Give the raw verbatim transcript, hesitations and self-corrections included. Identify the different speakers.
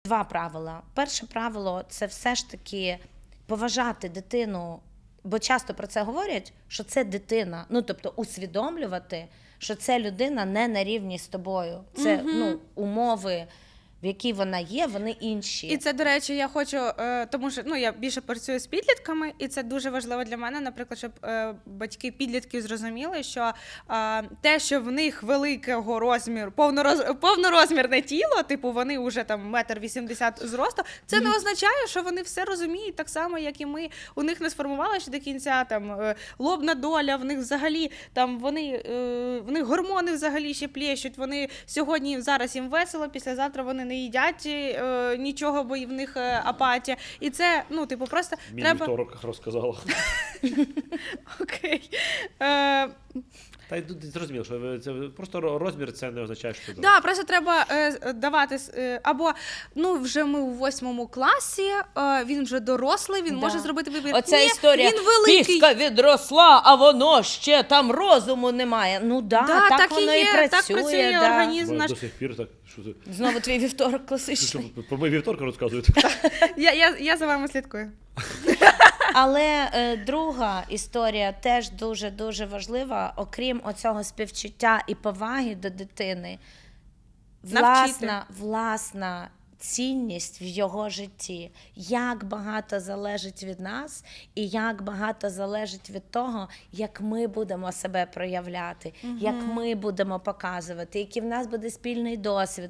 Speaker 1: два правила. Перше правило – це все ж таки поважати дитину, бо часто про це говорять, що це дитина. Ну, тобто усвідомлювати, що це людина не на рівні з тобою. Це
Speaker 2: Мгм.
Speaker 1: ну, умови, в якій вона є, вони інші.
Speaker 2: І це, до речі, я хочу, е, тому що ну, я більше працюю з підлітками, і це дуже важливо для мене, наприклад, щоб е, батьки підлітків зрозуміли, що е, те, що в них великого розміру, повнороз, повнорозмірне тіло, типу вони вже там метр вісімдесят зросту, це не означає, що вони все розуміють так само, як і ми. У них не сформувалася ще до кінця там е, лобна доля, в них взагалі там вони, е, в них гормони взагалі ще плещуть, вони сьогодні, зараз їм весело, післязавтра вони не їдять е, нічого, бо і в них е, апатія. І це, ну, типу, просто
Speaker 3: Мій
Speaker 2: треба...
Speaker 3: вівторок розказала.
Speaker 2: Окей. Е,
Speaker 3: Та й тут зрозуміло, що ви- це просто розмір, це не означає, що це.
Speaker 2: Да, просто треба е, давати, е, або, ну, вже ми у восьмому класі, е, він вже дорослий, він
Speaker 1: Да.
Speaker 2: може зробити вибір.
Speaker 1: Оця
Speaker 2: Ні,
Speaker 1: історія,
Speaker 2: він великий.
Speaker 1: піска відросла, а воно ще там розуму немає. Ну да,
Speaker 2: Да,
Speaker 1: так,
Speaker 2: так і
Speaker 1: воно і,
Speaker 2: є,
Speaker 1: працює.
Speaker 2: так працює
Speaker 1: да.
Speaker 2: організм
Speaker 3: Бо
Speaker 2: наш.
Speaker 3: до сих пір так, що це?
Speaker 1: Знову твій вівторок
Speaker 3: Що,
Speaker 1: класичний.
Speaker 3: про мої вівторки розказуєте?
Speaker 2: Я, я, я за вами слідкую.
Speaker 1: Але е, друга історія теж дуже-дуже важлива, окрім оцього співчуття і поваги до дитини, власна, власна цінність в його житті. Як багато залежить від нас і як багато залежить від того, як ми будемо себе проявляти, як ми будемо показувати, який в нас буде спільний досвід.